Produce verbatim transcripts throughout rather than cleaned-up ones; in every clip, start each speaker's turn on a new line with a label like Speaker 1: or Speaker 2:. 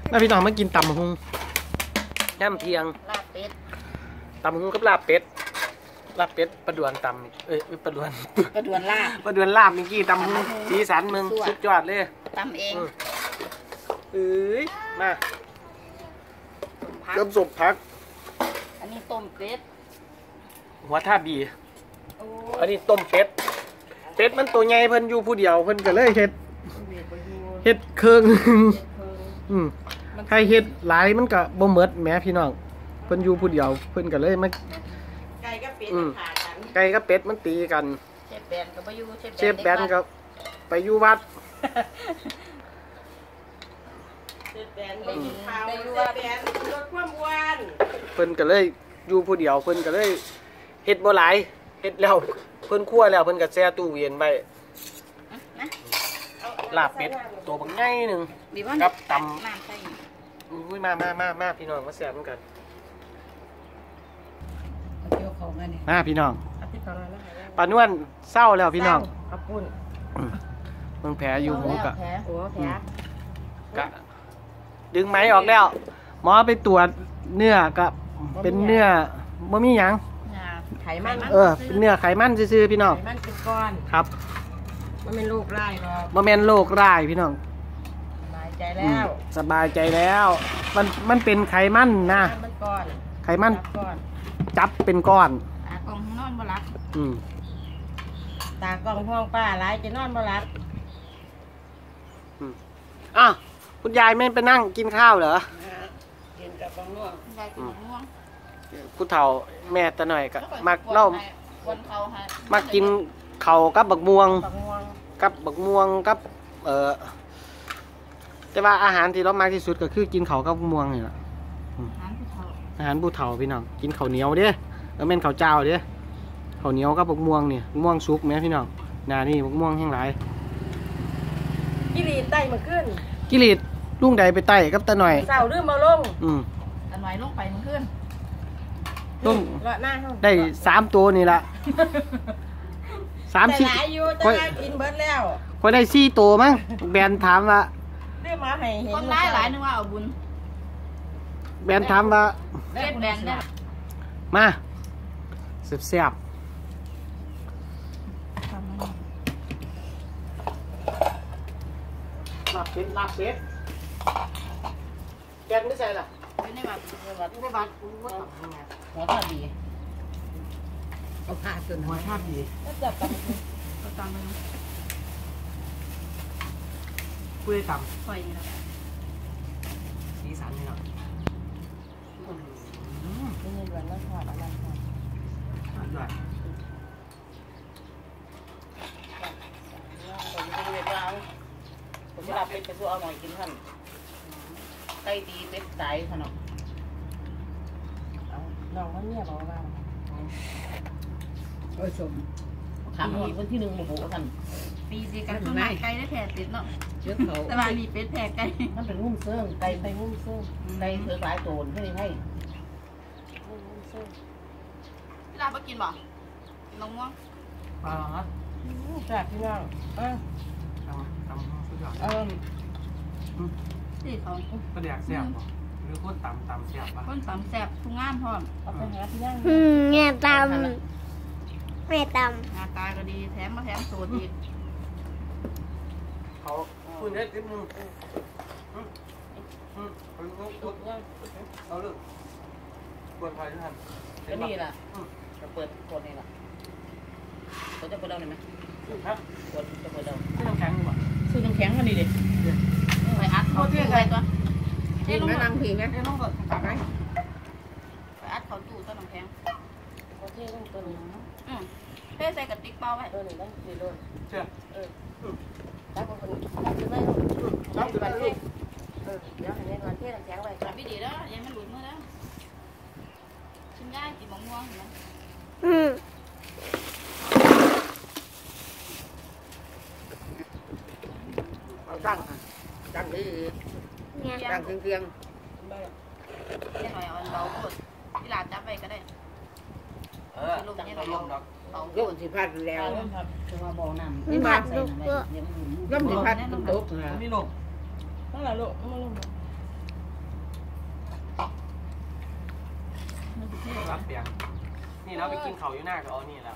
Speaker 1: มาพี่น้องมากินตำหุงย่ำเทียง
Speaker 2: ลาบเป็ด
Speaker 1: ตำหุงกับลาบเป็ดลาบเป็ดประดวนตำเอ้ยประดวน
Speaker 2: ประดวนลาบ
Speaker 1: ประดวนลาบเมื่อกี้ตำหุงสีสันมึงสุดยอดเลย
Speaker 2: ตำเอง
Speaker 1: เอ้ยมาเริ่มสุกพัก
Speaker 2: อันนี้ต้มเป็ด
Speaker 1: หัวท่าบีอันนี้ต้มเป็ดเป็ดมันตัวใหญ่เพิ่นอยู่ผู้เดียวเพิ่นก็เลยเฮ็ดเฮ็ดเครื่องอืมใครเฮ็ดหลายมันก็บ่หมดแหมพี่น้องเพิ่นอยู่ผู้เดียวเพิ่นก็เลยมา
Speaker 2: ไก่กับเป็ดขากัน
Speaker 1: ไก่กับเป็ดมันตีกัน
Speaker 2: เชฟแบนก็ไปอยู่
Speaker 1: เชฟแบนก็ไปอยู่วัด
Speaker 2: เชฟแบนไปอยู่ข้าวเชฟแบนลดความอ้วน
Speaker 1: เพิ่นก็เลยอยู่ผู้เดียวเพิ่นก็เลยเฮ็ดบ่หลายเฮ็ดแล้วเพิ่นคั่วแล้วเพิ่นก็แช่ตู้เย็นไว้ลาบเป็ดตัวบักใหญ่นึงกับตำอุ้ยมามามามาพี่น้องมาแซ่บกันมาพี่น้องปานวนเศร้าแล้วพี่น้องเมืองแผลอยู่หูกะกะดึงไหมออกแล้วหมอไปตรวจเนื้อกับเป็นเนื้อบ่มีหยัง
Speaker 2: ไขมัน
Speaker 1: เออเป็นเนื้อไขมันซื่อๆพี่น้อง
Speaker 2: ไขมันเป็นก้อน
Speaker 1: ครับ
Speaker 2: มันเป็นโรคร้ายหรอก
Speaker 1: มันเป็นโรคร้ายพี่น้อง
Speaker 2: สบายใจแล้ว
Speaker 1: สบายใจแล้วมันมันเป็นไขมันนะไขมันจับเป็นก้อน
Speaker 2: ตากล้องนอนบ่หลับ
Speaker 1: อืม
Speaker 2: ตากล้องห้องป้าหลายจะนอนบ่หลับ
Speaker 1: อืมอ้าวคุณยายไม่ไปนั่งกินข้าวเหรอ
Speaker 2: กินกับบักม่วงยายกินบักม่วง
Speaker 1: ผู้เฒ่าแม่ตาหน่อยก็มักเล่ามักกินเข่ากับบักม่วงกับบักม่วงกับเอ่อแต่ว่าอาหารที่เรามากที่สุดก็คือกินเข่ากับบักม่วงนี่แหละอาหารผู้เฒ่าพี่น้องกินข้าวเหนียวเด้อแล้วแม่นข้าวเจ้าเด้อข้าวเหนียวกับบักม่วงนี่ม่วงสุกไหมพี่น้องนานี่บักม่วงแห้งหลาย
Speaker 2: กิริตไต่มาขึ้น
Speaker 1: กิริตลุงใดไปไต่กับตาหน่อย
Speaker 2: เสาลืมมาลง
Speaker 1: อืม
Speaker 2: ตาหน่อยลงไปมาขึ้น
Speaker 1: ลุงได้สามตัวนี่ละสามชิ้น
Speaker 2: ค่อยกินเบิร์ดแล้ว
Speaker 1: ค่อยได้สี่ตัวมั้งแบนถามว่า
Speaker 2: เรื่องมาให้เห็นคนร้ายหลายนึกว่าเอาบุญ
Speaker 1: แบนถามว่า
Speaker 2: เล่นแบนได้
Speaker 1: มาเสียบลาบเป็ดลาบเป็ดแกนไม่ใช่ล่ะ
Speaker 2: ไม่ได้บัตรไม่ได้บัตรไม่ได้บัตรหัวท่าดีเอาผ้าจน
Speaker 1: หัวท่าดี
Speaker 2: ก็จับกันก็ตามไป
Speaker 1: คุยต่ำ
Speaker 2: ไฟนี่แหละ
Speaker 1: สีสันนี่เนาะ
Speaker 2: นี่เงินวันละทอดอะไรทอด
Speaker 1: ทอดด้วย
Speaker 2: ผมจะเรียกว่าผมจะรับเป็ดไปสู้เอาหน่อยกินท่านไก่ดีเป็ดสายขนมน้องเขาเนี่ยบอกว่าโอ้ยสมถามอีกวันที่หนึ่งโมโหกันปีสิกันต้นไม้ไก่ได้แผลติดเนาะเชื้อเขาแต่ว่ามีเป็ดแผลไก่มันเป็นงุ้มเสื่องไก่ไปงุ้มเสื่องไก่เถื่อหลายโจรให้ให้งุ้มเสื่องพี่ลาไปกินบ่กินนมม่วง
Speaker 1: อ๋อ
Speaker 2: แซ่บพี่น้องเออ
Speaker 1: ทำทำสุดยอด
Speaker 2: เออที่เขา
Speaker 1: ก็เรียกแซ่บป่ะหรือคนต่ำต่ำแซ่บป่ะ
Speaker 2: คนต่ำแซ่บทุกงานพร้อมเอาไปหาพี่ย่าง
Speaker 3: อืมแง่ต่ำแง่ต่
Speaker 2: ำหน้าตาก็ดีแถมมาแถมโสดอีก
Speaker 1: เขาคุณได้ติ๊บนึงเอาลูกเปิดไฟด้วยกัน
Speaker 2: ก็นี่แหละจะเปิดกดนี่แหละเขาจะเปิดเอาไหม
Speaker 1: ครับ
Speaker 2: กดจะเปิดเอา
Speaker 1: ซื้อน้ำแข็งดีกว่า
Speaker 2: ซื้อน้ำแข็งกันดีดิไปอัดเขาตู้ไปตัวเฮ้ยลงมานั่งผีไหมเฮ้ยลงก่อนไปไปอัดเขาตู้ตัวน้ำแข็งโอเคลงตัวนึงอืมเทใส่กระติกเปล่าไว้ตัวหนึ่งได้ดีเลย
Speaker 1: เชื่อ
Speaker 2: เออตั้งคนตั้งขึ้นเลยตั้งขึ้นไปเลยเออเดี๋ยวให้เงินก่อนเทน้ำแข็งไว้จับไม่ดีแล้วยังไม่หลุดมือแล้วชิ้นง่ายกินมะม่วงเห็นไหม
Speaker 3: อืม
Speaker 2: ตั้งตั้งดีตั้งเครื่องเครื่องยังไงเอาเบาหมดที่หลานจับไปก็ได้
Speaker 1: เออตั้งไปลงดอก
Speaker 2: ยกสิพัดแล้วคือว่าบ่อน้ำนี่มาใส่ย่ำสิพัดตกนะ
Speaker 1: มีลง
Speaker 2: นั่นแหละลูกมาลง
Speaker 1: รับเปียงนี่เราไปกินเขาอยู่หน้าก็เอานี่แล้ว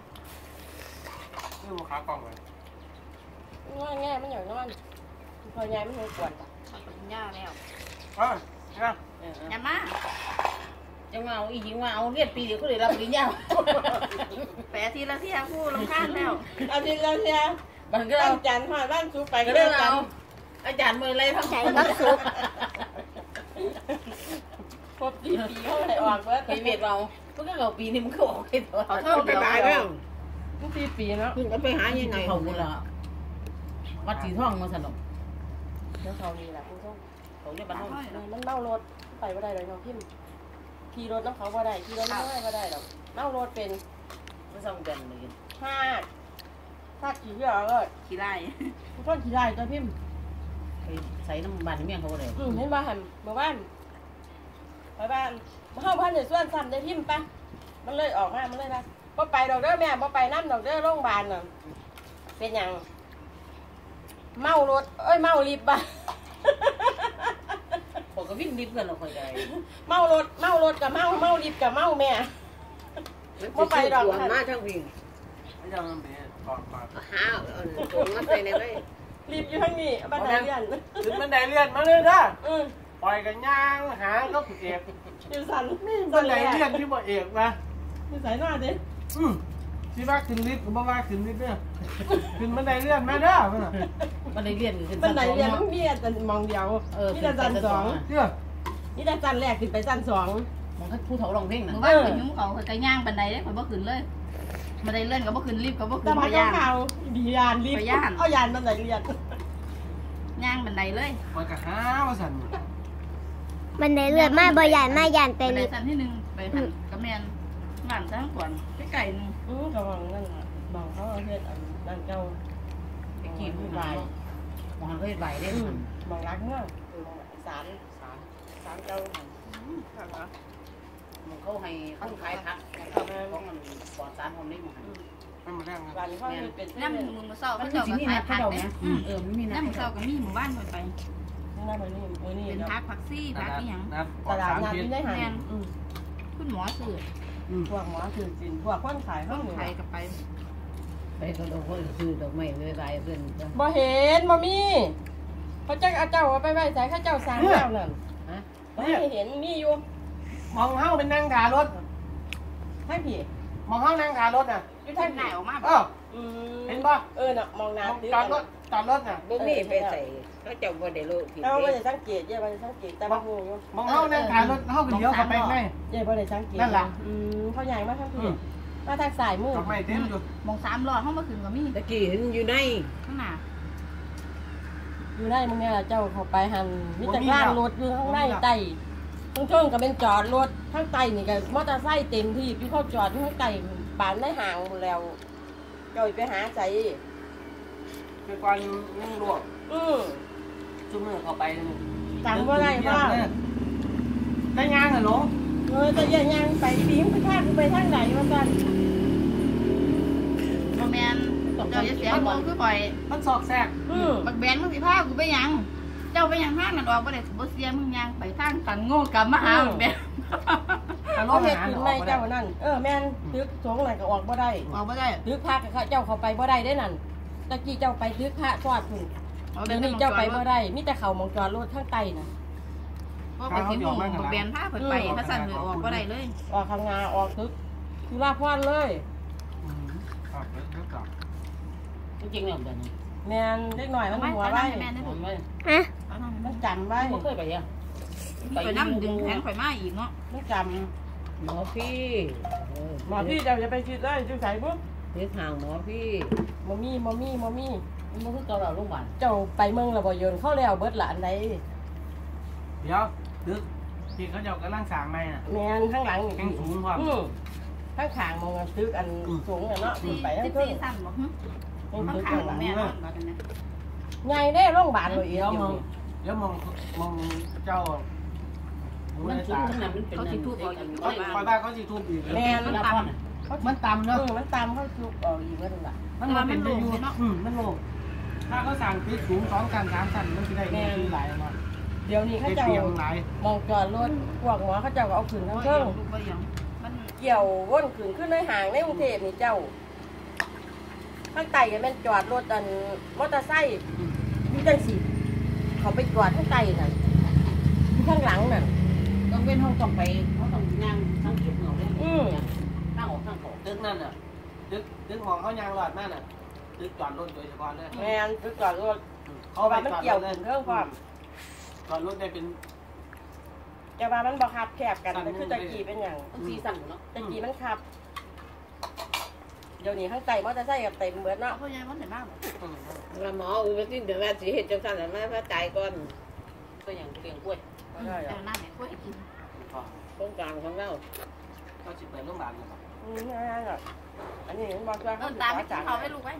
Speaker 1: นี่ลูกค้ากล่องเลย
Speaker 2: ง่ายง่ายมันอย่างนอนพอใหญ่มันหัวปวด
Speaker 4: กินยาแล้ว
Speaker 1: เออเนี่ย
Speaker 4: อย่ามา
Speaker 2: จังว่าเอาอีหญิงว่าเอาเรียนปีเดียวก็เลยรับปริญญา
Speaker 4: แปะทีละเที่ยคู่ลงข้างแล้ว
Speaker 2: อาทิตย์ละเที่ยบ้านก็อาจารย์หอดบ้านซูไปก็เรื่องเอาอาจารย์มืออะไรทั้ง
Speaker 3: ใจบักซุป
Speaker 2: ครบกี่ปีเขาเลยออกเบิร์ดไปเวียดเราเพิ่งเอาปีนี้มันก็ออกไปตัว
Speaker 4: ขอโทษเดี๋ยวเรื่อง
Speaker 2: มันสี่ปีแล้ว
Speaker 5: เพิ่งก็ไปหายังไง
Speaker 2: เขาบุญละวัดสีทองมาสนุกเดี๋ยวเขานี่แหละคุณส้มเขาเนี่ยบ้านห้องมันเมารถไปว่าได้เลยน้องพิมขี่รถน้องเขาว่าได้ขี่รถไม่ได้ว่าได้หรอกเมารถเป็นไม่ต้องเดินเลยห้าถ้าขี่เยอะเลย
Speaker 4: ขี้ไล่
Speaker 2: คุณต้นขี่ได้ตัวพิมไปใส่น้ำมันเมี่ยงเขาเลยอืมเห็นบ้านเมื่อวานไปบ้านมาเข้าบ้านเดี๋ยวส่วนซ้ำได้พิมปะมันเลยออกมามันเลยนะพอไปดอกเด้อแม่พอไปน้ำดอกเด้อโรงพยาบาลน่ะเป็นยังเมารถเอ้ยเมาลิฟต์บ้าผมก็วิ่งลิฟต์กันเราคอยใจเมารถเมารถกับเมาเมาลิฟต์กับเมาแม่พอไปดอก
Speaker 5: มาทั้งวิ่ง
Speaker 1: ไม่ยอมมันเป็นก่อนก่อน
Speaker 5: หาตรงมาใส่ในไว้
Speaker 2: ลิฟต์อยู่ข้างนี้บันไดเลื่อน
Speaker 1: ถึงบันไดเลื่อนมาเลยนะ
Speaker 2: อืม
Speaker 1: ปล่อยกันย่างหาก็เอก
Speaker 2: อยู่สัน
Speaker 1: บันไดเลื่อนที่บ่เอกมา
Speaker 2: อยู่สายหน้าดิ
Speaker 1: อืมที่ว่าขึ้นลิฟต์ก็บ่ว่าขึ้นลิฟต์เด้อขึ้นบันไดเลื่อนมาเด้อบันไดเลื่อนขึ้น
Speaker 2: บันไดเลื่อนมันมีแต่มองเดียวมีแต่ชั้นสอง
Speaker 1: เด้อ
Speaker 2: มีแต่ชั้นแรกขึ้นไปชั้นสองมองให้ผู้เฒ่าลองเพ่งนะ
Speaker 4: เมื่อวานไปยุ่งเขาไปย่างบันไดได้ข่อยบ่ขึ้นเลยบันไดเลื่อนก็บ่ขึ้นรีบก็บ่ขึ้
Speaker 2: แต่
Speaker 4: น
Speaker 2: พั
Speaker 4: ไป
Speaker 2: ก
Speaker 4: ย่าง
Speaker 2: ข่าวดียานรีบเอายานบันไดเลื่อน
Speaker 4: ย่างบันไดเลย
Speaker 1: ปล่อยกันหาว่าสั่น
Speaker 3: มันได้เลือดมาบ่ยานมาย่านไป
Speaker 4: บันได
Speaker 3: ลิฟ
Speaker 4: สั้นที่หนึ่งไปหันกระแมนหลานทั้งก่อนไปไก่นึง
Speaker 2: อือกำลังนั่นมองเขาเฮ็ดนั่นเจ้า
Speaker 5: ไปกินใบมองเลยใบได้
Speaker 2: มองรักเมื่อสารสารสารเจ้า
Speaker 5: มันเขาให้เขาขายผักเขาของมันปลอดสารของนี่มัน
Speaker 1: ไม่มาแรงนะ
Speaker 2: วันเขาเป็น
Speaker 4: น้ำมึงมาเศร้า
Speaker 5: มั
Speaker 4: เขา
Speaker 5: นคือ
Speaker 4: เจ้า
Speaker 5: สิ่ง
Speaker 4: ก็
Speaker 5: นี้
Speaker 4: ขาย
Speaker 5: นะ
Speaker 4: ผั
Speaker 5: เขา
Speaker 4: ก
Speaker 5: เดา
Speaker 4: เนี่ย
Speaker 5: เออไม่มีนะ
Speaker 4: น้ำมึงเศร้าก็มีหมู่บ้านไป
Speaker 2: นี่นะมันนี่เออนี่
Speaker 4: เป็นพักผักซี่พักนี่ยัง
Speaker 1: นะป
Speaker 2: ต
Speaker 1: ลอด
Speaker 2: ลาด
Speaker 1: สาร
Speaker 2: นัด
Speaker 1: พิษ
Speaker 2: ที่ได้หัน
Speaker 4: คุณหมอสื่อ
Speaker 2: พวกหมอถือจินพวกคนขาย
Speaker 4: ต้
Speaker 2: เขา
Speaker 4: อง
Speaker 2: อยู่
Speaker 4: ไทยกับไป
Speaker 5: ไปก็ดอกก็คือดอกไม้เลยใบเพื่อน
Speaker 2: บ่เห็นบ่มีเขาจะเอาเจ้าไปไว้ใส่ข้าเจ้าสร้างแล้วนั่น
Speaker 5: ฮะ
Speaker 2: ไม่เห็นมีอยู่
Speaker 1: มองเฮาเป็นนั่งขารถ
Speaker 2: ให้ผี
Speaker 1: มองเฮานั่งขารถน่ะ
Speaker 2: อยู่
Speaker 4: ท่า
Speaker 2: ทาน ง
Speaker 4: ไหนออกมา
Speaker 2: เออ
Speaker 1: เห็นป่ะ
Speaker 2: เออน่ะมองน้ำ
Speaker 1: จอดรถจอดรถน่ะ
Speaker 5: บ่มีไปใส่ก็จะบ่ได้โลผิด
Speaker 2: เราไม่ได้สังเกตเย่ไม่ได้สังเกตแต่บ่ฮู้อยู่
Speaker 1: มองเฮานั่งขารถเฮาก็เลี้ยวเข้าไปไง
Speaker 2: เย่ไม่ได้สังเกตอืมเขาใหญ่มาทางพี่มาทางสายมือ
Speaker 1: ดอกไม้เต็มอยู่
Speaker 4: มองสามหลอดห้องมาขึ้นก็มี
Speaker 5: ตะกี้เห็นอยู่ใน
Speaker 4: ข้างหน้า
Speaker 2: อยู่ได้มึงเนี่ยเจ้าเข้าไปหันมีแต่ล่างรถอยู่ข้างในใต้ข้างช่วงก็เป็นจอดรถข้างใต้นี่ก็มอเตอร์ไซค์เต็มที่พี่เขาจอดอยู่ข้างใต้ปานได้ห่างหมดแล้วเจ้าไปหาใจ
Speaker 1: คือก่อนยังลวก
Speaker 2: อือ
Speaker 1: จุ่มมือเข้าไป
Speaker 2: จำว่าไรว่า
Speaker 1: ได้ยางเหรอหลง
Speaker 2: เออจะยังยังไปปีมไปทางไปทางไหนวะกัน
Speaker 4: โมแมนเจ้าจะเสียงโมคือบ่อย
Speaker 1: มันสอกแทรก
Speaker 2: อือ
Speaker 4: บักแบนมึงสิพากูไปยัง เจ้าไปยังทางนั้นออกบ่ได้บ่เสียมึงยังไปทางตันโง่กลับมาหาบักแบน
Speaker 2: เขาเฮ็ดขึ้นไม่เจ้านั่นเออแม่นตึกสงอะไรก็ออกบ่ได้
Speaker 4: ออกบ่ได้
Speaker 2: ตึกพระเขาเจ้าเขาไปบ่ได้ได้นั่นตะกี้เจ้าไปตึกพระทอดพุ่นเดี๋ยวนี้เจ้าไปบ่ได้มีแต่เขามองจอดรถข้างใต้น่ะ
Speaker 4: บ่ไปสิหมู่บักแบนพาเพิ่นไปถ้าสั่นเลยออกบ่ได้เลย
Speaker 2: ออกข้างงาออกตึกสุราพรเลย
Speaker 1: ครับเดี๋ยวกลับ
Speaker 5: จริงๆแล้วแบบนี้
Speaker 2: แม่นเล็กหน่อยมันหัวไว้
Speaker 4: แม่ได้
Speaker 5: ผ
Speaker 4: ผม ม
Speaker 5: ไม่
Speaker 3: ฮะ
Speaker 4: เอานั่น
Speaker 2: มันจำไว้
Speaker 5: ไม่เคยไปอ่ะ
Speaker 4: ไปนำดึงแขนข่อยมาอีกเนาะ
Speaker 2: มันจ
Speaker 5: หมอพี่
Speaker 2: ำหมอพี่เจ้าจะไปคิดเลยจุใส่ปุ๊บ
Speaker 5: เรียกทางหมอพี่
Speaker 2: มมี่มมี่มมี่
Speaker 5: มันก็คือเกาเหลาโรงพยาบาล
Speaker 2: เจ้าไปเมืองระบอยนเข้าแล้วเบิดหลานใด
Speaker 1: เดี๋ยวดึกที่เขาจะกำลังสร้างใหม่น่ะ
Speaker 2: แม่นข้างหลัง
Speaker 1: แข่งสูงความ
Speaker 2: อือข้างขางมองกันตึกอันสูงอ่ะเนาะ
Speaker 4: สี่
Speaker 2: ไปข้าง
Speaker 4: สิบ
Speaker 2: ขึ้น
Speaker 4: สี่สั่นบ่ฮึ
Speaker 2: ยัง
Speaker 4: ข้าง
Speaker 2: ตึก
Speaker 4: ข้าง
Speaker 2: ข้างหลัง
Speaker 4: แม่นอนบ่กันนะ
Speaker 2: ใหญ่ได้โรงพยาบาลเลยเอี
Speaker 1: เดี๋
Speaker 2: ย
Speaker 1: ยว วมองเดี๋ยวมองมองเจ้า
Speaker 5: มันชุดขนาดมันเป็น
Speaker 4: เขาสิทุบเอาอีก
Speaker 1: เขา
Speaker 4: บ่
Speaker 1: คอยบ้าเขาสิทุบอีก
Speaker 2: แม่น
Speaker 4: มันต่ำ
Speaker 1: มันต่ำ
Speaker 2: เอ
Speaker 1: เนาะ
Speaker 2: อมันตามเข้าซุกออกอีกว่าจังล่ะ
Speaker 1: มันมาเป็นอยู่อืมมันโลงถ้าเขาสั่งปิดสูงสองชั้นสามชั้นมันจะได้เงินหลายเนาะ
Speaker 2: เดี๋ยวนี้เขาเจ้ามองจอดรถพวกหมอเขาเจ้าก็เอาขึ้นทั้งเครื่องเกี่ยวว่นขึ้นขึ้นในห่างในกรุงเทพนี่เจ้าข้างใต้ก็แม่นจอดรถอันมอเตอร์ไซค์อยู่จังสิเขาไปจอดข้างใต้น่ะอยู่ข้างหลังน่ะต้องเป็นห้องต้องไปเขาต้องย่างสังเกตเหงาเลยอือข้างออกข้างออก
Speaker 1: ตึกนั่นน่ะตึกตึกมองเขายางหลอดมากน่ะตึกจอดรถโดยเฉพาะเลย
Speaker 2: แม่นตึกจอดรถเขาว่ามันเกี่ยวขึ้นเครื่องความ
Speaker 1: จอดรถได้เป็น
Speaker 2: จะว่ามันบ่คับแคบกันแต่คือตะกี้เป็นอย่าง
Speaker 5: สีสั่นเนาะ
Speaker 2: ตะกี้มันคับเดี๋ยวนี้ข้างใต้มอเตอร์ไซค์กับเต็มเบิดเนาะ
Speaker 4: พ่อใหญ่มันได้มากบ่
Speaker 5: แล้วหมออุ้ยที่เดี๋ยวแม่สิเฮ็ดจังซั่นแล้วแม่พระตายก่อนก็อย่างเลี้ยงกล้วย
Speaker 2: ไม่ได้หร
Speaker 4: แต่
Speaker 2: อก
Speaker 4: หน้าเนี่ยกล้วยกิน
Speaker 5: โครงการของเรา
Speaker 1: เขาจิตไปโรงพยาบาลเลยครับ
Speaker 2: อืมไม่ได้หรอกอันนี้มันบอกว่า
Speaker 4: เออตาไม่กินเขาไว้ลูกไว้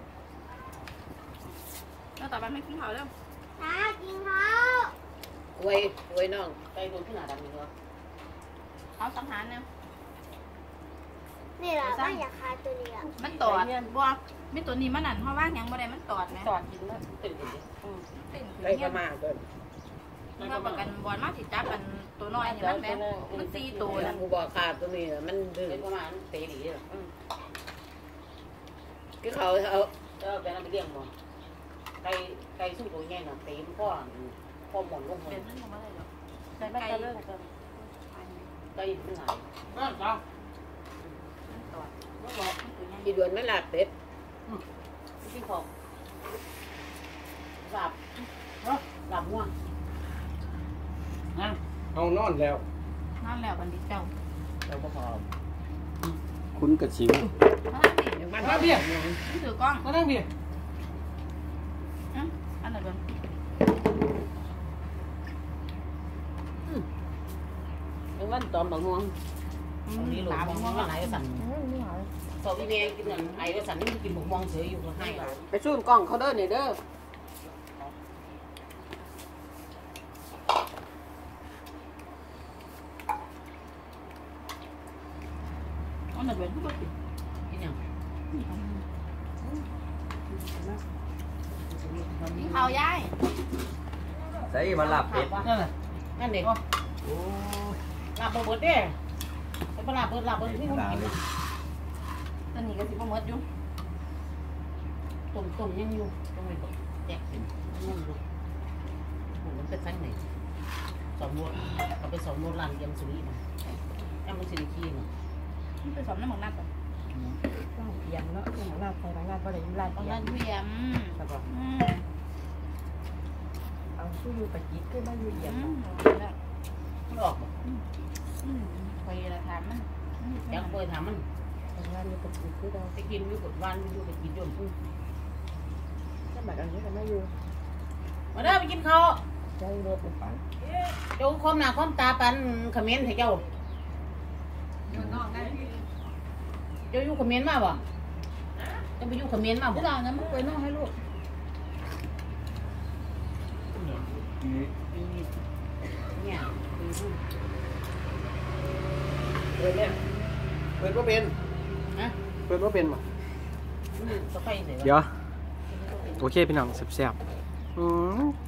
Speaker 4: แล้วต่อไปไม่กินเขาแล้ว
Speaker 3: ตากินเขา
Speaker 5: อวยอวยน้องไก่ตัวที่หน้าดำนี่เนาะ
Speaker 4: เขาสังหารเนี่ย
Speaker 3: นี่แหละว่าอยากคาตัวนี้อ่ะ
Speaker 4: มันตอดบัวไม่ตัวนี้มันนั่นเพราะว่ายังบ่ได้มันตอดไหม
Speaker 2: จอดกินนะ
Speaker 5: ตื่นดิ
Speaker 2: อืม
Speaker 4: ติ่ง
Speaker 5: ไก่ประมาณตัว
Speaker 4: มันก็ประกันบอลมาสิจับกันตัวน้อยนี่มันแม่มันสี่ตัว
Speaker 5: แล้วกูบอกขาดตัวนี้มันดื้อประมาณเตะดีอ่ะคือเขาเอาเอาไปนั่นไปเลี้ยงบ่ไก่ไก่สู้ตัวใหญ่น่ะเตะพ่อพ่อหมอนลง
Speaker 4: เป็
Speaker 5: หั
Speaker 4: น
Speaker 5: ว
Speaker 4: เรื่องของอะไรหรอก
Speaker 2: แต่ไม่จะเรื่องกัน
Speaker 5: ไก่ขึ้นหาย
Speaker 1: นั่นครับ
Speaker 4: มันตอดมันบอกมันตัวใหญ่
Speaker 5: กี่เดือนไม่หลับเป็ดที่ของหลับหลับง่วง
Speaker 1: นั่นเอานอนแล้ว
Speaker 4: นั่นแหละบันดิตเจ้า
Speaker 1: เราก็พอคุณกระชิว
Speaker 4: มานั่งดิ
Speaker 5: มัน
Speaker 1: มาเบี้ย
Speaker 4: นี่ถือกล้อง
Speaker 1: มานั่งเบี้ย
Speaker 4: อ่ะอันไหนบ้าง
Speaker 5: มันตอมบางง่วงตอนนี้หลงมองว่าไหนสั่นสอบอีเมลกินเงินไอ้ก็สั่นนี่กินหมกมองเฉยอยู่ก็ให้ไปสู้กล้องเขาเด้อเนี่ยเด้อ
Speaker 4: อันไหนบ้างทุกคน
Speaker 5: กินยัง
Speaker 4: กินข้าวยาย
Speaker 6: ใส่มาหลับเป็ด
Speaker 1: นั่นแหละ
Speaker 5: นั่นเด็กหลับเบิดเด้ไปหลับเบิดหลับเบิดที่คนกิน
Speaker 4: ตอนนี้ก็สิบ่หมดอยู่
Speaker 5: ตุ่มตุ่มยังอยู่ต้องไปแจกเป็นยังอยู่ผมมันเป็นสั้นไหนสองโมดเอาไปสองโมดลานเยี่ยมสุริมายังมันสิริคีเนาะ
Speaker 4: มันไปสอบน้ำหมันนักก่อน
Speaker 2: ต้องเพียงเนาะต้องหน้าใส่หน้าก็ได้ลาย
Speaker 4: ตอน
Speaker 2: เพีย
Speaker 4: นั้
Speaker 2: ง
Speaker 4: นเพียม
Speaker 5: ใช่ปะ
Speaker 4: อืม
Speaker 2: เอาสู้อยู่ตะกี้ขึ้นมาอยู่เอียง
Speaker 4: อืม
Speaker 5: มันออกบ่
Speaker 4: อืมคอยละถามมัน
Speaker 5: ยังเคยถามมัน
Speaker 2: ทำงานอยู่ตะกี้คือเรา
Speaker 5: ไปกินอยู่กดวันอยู่ไปกินจน
Speaker 2: ถ้าแบบอันนี้ก็ไม่อยู่
Speaker 5: มาเด้อไปกินข้าว
Speaker 2: ใจรถไปปัน
Speaker 5: เจ้าความหน้าความตาปันเขมิ้นให้เจ้าเจ้าอยู่เขมิ้นมาบ่เจ้าไปอยู่เขมิ้นมาบ่
Speaker 4: พี่ดาวนั้นมันเคยน้องให้ลูก
Speaker 5: เนี่ย
Speaker 1: เปิดเนี่ยเปิดว่าเป็น
Speaker 5: ฮะ
Speaker 1: เปิดว่าเป็นบ่
Speaker 5: สะไฟเสีย
Speaker 1: เดี๋ยวโอเคพี่น้องแซ่บๆอืม